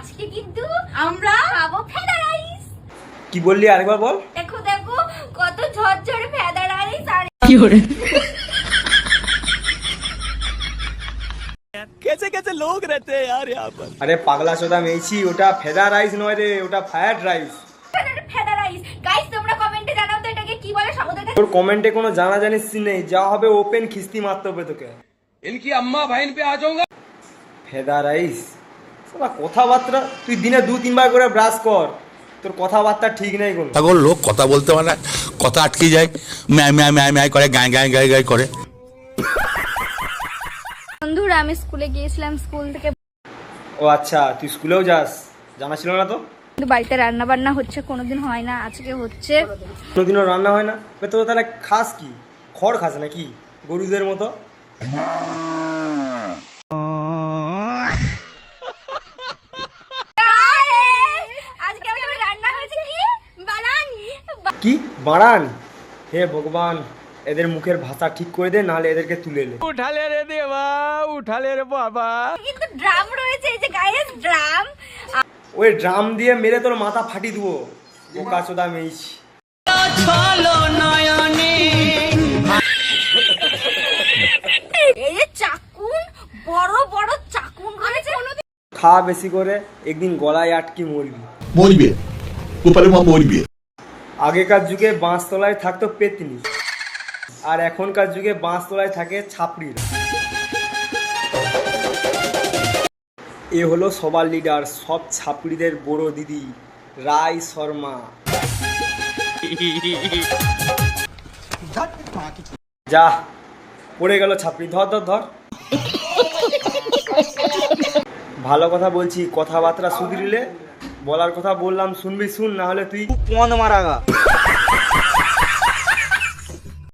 আজকে কিন্তু আমরা খাবো ফেদা রাইস। কি বললি আরেকবার বল। দেখো দেখো কত ঝরঝরে ফেদা রাইস। আর কি করে कैसे कैसे लोग रहते हैं यार यहाँ पर। আরে পাগলা চোদা মেয়েছি, ওটা ফেদা রাইস নয় রে, ওটা ফ্রাইড রাইস। ফেদা রাইস গাইস, তোমরা কমেন্টে জানাও তো এটাকে কি বলে। ওদের কাছে তোর কমেন্টে কোনো জানা জানিস নেই, যা হবে ওপেন খিস্তি মারতে হবে তোকে। इनकी अम्मा बहन पे आ जाऊंगा। ফেদা রাইস সালা কথাবার্তা, তুই দিনে 2-3 বার করে ব্রাশ কর, তোর কথাবার্তা ঠিক নেই কোনো। পাগল লোক কথা বলতে পারে না, কথা আটকে যায়, ম্যায় ম্যায় ম্যায় ম্যায় করে, গায় গায় গায় গায় করে। বন্ধুরা আমি স্কুলে গিয়েছিলাম, স্কুল থেকে ও আচ্ছা, তুই স্কুলেও যাস, জানা ছিল না তো। কিন্তু বাড়িতে রান্না বান্না হচ্ছে, কোনোদিন হয় না, আজকে হচ্ছে। কোনোদিনও রান্না হয় না? তো তাহলে খাস কি? খড় খাস নাকি গরুদের মতো? আজকে আমাদের রান্না হয়েছে কি বানানি। কি বাড়ান? হে ভগবান, এদের মুখের ভাষা ঠিক করে দে, নাহলে এদেরকে তুলে নে। उठा ले रे देवा, उठा ले रे बाबा। কিন্তু ড্রাম রয়েছে, এই যে গাইস ড্রাম। ওই ড্রাম দিয়ে মেরে তোর মাথা ফাটি দিব, বোকা চোদা মেয়েছি। এই যে চাকুন, বড় বড় চাকুন রয়েছে। খা বেশি করে, একদিন গলায় আটকি মরবি। মরবে গোপালে মা মরবে। আগেকার যুগে বাঁশতলায় থাকতো পেতনি, আর এখনকার যুগে বাঁশতলায় থাকে ছাপড়িরা। এ হলো সবার লিডার, সব ছাপড়িদের বড় দিদি রাই শর্মা। যা পড়ে গেল ছাপড়ি, ধর ধর ধর। ভালো কথা বলছি, কথাবার্তা শুধরিলে, বলার কথা বললাম শুনবি শুন, না হলে তুই পন মারাগা।